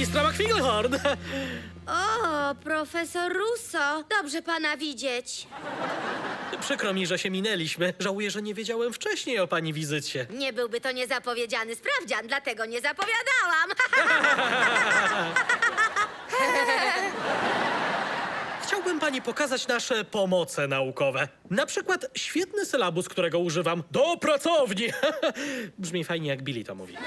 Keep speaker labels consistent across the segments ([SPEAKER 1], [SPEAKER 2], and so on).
[SPEAKER 1] magistra McFiglehorn.
[SPEAKER 2] O, profesor Russo. Dobrze pana widzieć.
[SPEAKER 1] Przykro mi, że się minęliśmy. Żałuję, że nie wiedziałem wcześniej o pani wizycie.
[SPEAKER 2] Nie byłby to niezapowiedziany sprawdzian, dlatego nie zapowiadałam.
[SPEAKER 1] Chciałbym pani pokazać nasze pomoce naukowe. Na przykład świetny sylabus, którego używam. Do pracowni! Brzmi fajnie, jak Billy to mówi.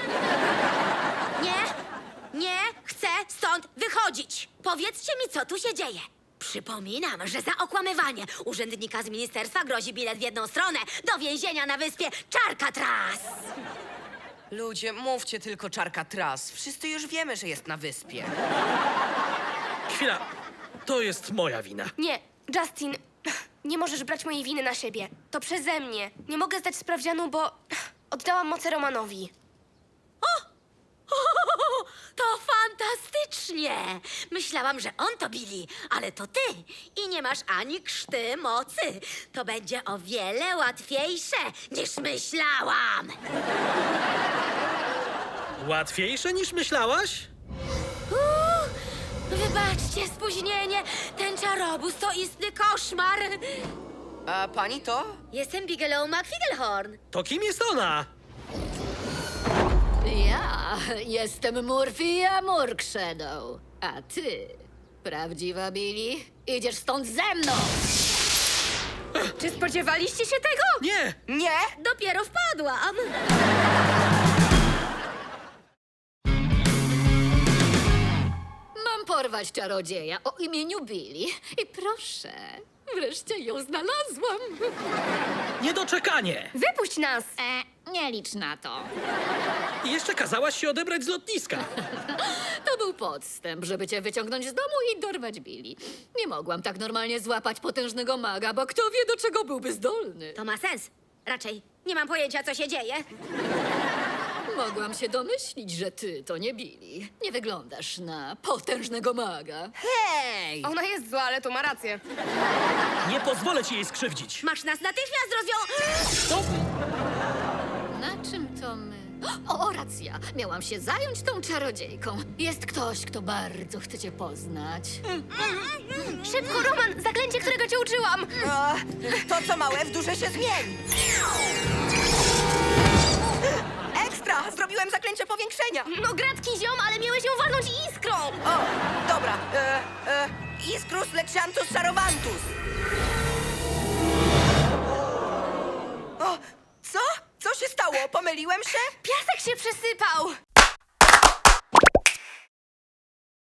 [SPEAKER 2] Nie chcę stąd wychodzić. Powiedzcie mi, co tu się dzieje. Przypominam, że za okłamywanie urzędnika z ministerstwa grozi bilet w jedną stronę do więzienia na wyspie Czarkatras.
[SPEAKER 3] Ludzie, mówcie tylko czarka tras. Wszyscy już wiemy, że jest na wyspie.
[SPEAKER 1] Chwila. To jest moja wina.
[SPEAKER 4] Nie, Justin, nie możesz brać mojej winy na siebie. To przeze mnie. Nie mogę zdać sprawdzianu, bo oddałam moce Romanowi.
[SPEAKER 2] To fantastycznie! Myślałam, że on to Billy, ale to ty. I nie masz ani krzty mocy. To będzie o wiele łatwiejsze, niż myślałam.
[SPEAKER 1] Łatwiejsze niż myślałaś?
[SPEAKER 2] Wybaczcie spóźnienie. Ten czarobóz to istny koszmar.
[SPEAKER 3] A pani to?
[SPEAKER 2] Jestem Bigelow McFiglehorn.
[SPEAKER 1] To kim jest ona?
[SPEAKER 5] Ja jestem Murphy Murkshadow, a ty, prawdziwa Billy, idziesz stąd ze mną!
[SPEAKER 4] Czy spodziewaliście się tego?
[SPEAKER 1] Nie!
[SPEAKER 3] Nie!
[SPEAKER 2] Dopiero wpadłam.
[SPEAKER 5] Mam porwać czarodzieja o imieniu Billy i proszę, wreszcie ją znalazłam.
[SPEAKER 1] Niedoczekanie!
[SPEAKER 4] Wypuść nas!
[SPEAKER 5] Nie licz na to.
[SPEAKER 1] I jeszcze kazałaś się odebrać z lotniska.
[SPEAKER 5] To był podstęp, żeby cię wyciągnąć z domu i dorwać Billy. Nie mogłam tak normalnie złapać potężnego maga, bo kto wie, do czego byłby zdolny.
[SPEAKER 2] To ma sens. Raczej nie mam pojęcia, co się dzieje.
[SPEAKER 5] Mogłam się domyślić, że ty to nie Billy. Nie wyglądasz na potężnego maga.
[SPEAKER 3] Hej!
[SPEAKER 4] Ona jest zła, ale to ma rację.
[SPEAKER 1] Nie pozwolę ci jej skrzywdzić.
[SPEAKER 2] Masz nas natychmiast
[SPEAKER 1] To...
[SPEAKER 5] Na czym to my? O, racja! Miałam się zająć tą czarodziejką. Jest ktoś, kto bardzo chce cię poznać.
[SPEAKER 4] Szybko, Roman! Zaklęcie, którego cię uczyłam!
[SPEAKER 3] A, to, co małe, w duże się zmieni. Ekstra! Zrobiłem zaklęcie powiększenia.
[SPEAKER 4] No gratki, ziom, ale miałeś ją walnąć iskrą!
[SPEAKER 3] O, dobra. Iskrus lexiantus sarowantus. O, co? Co się stało? Pomyliłem się?
[SPEAKER 4] Piasek się przesypał!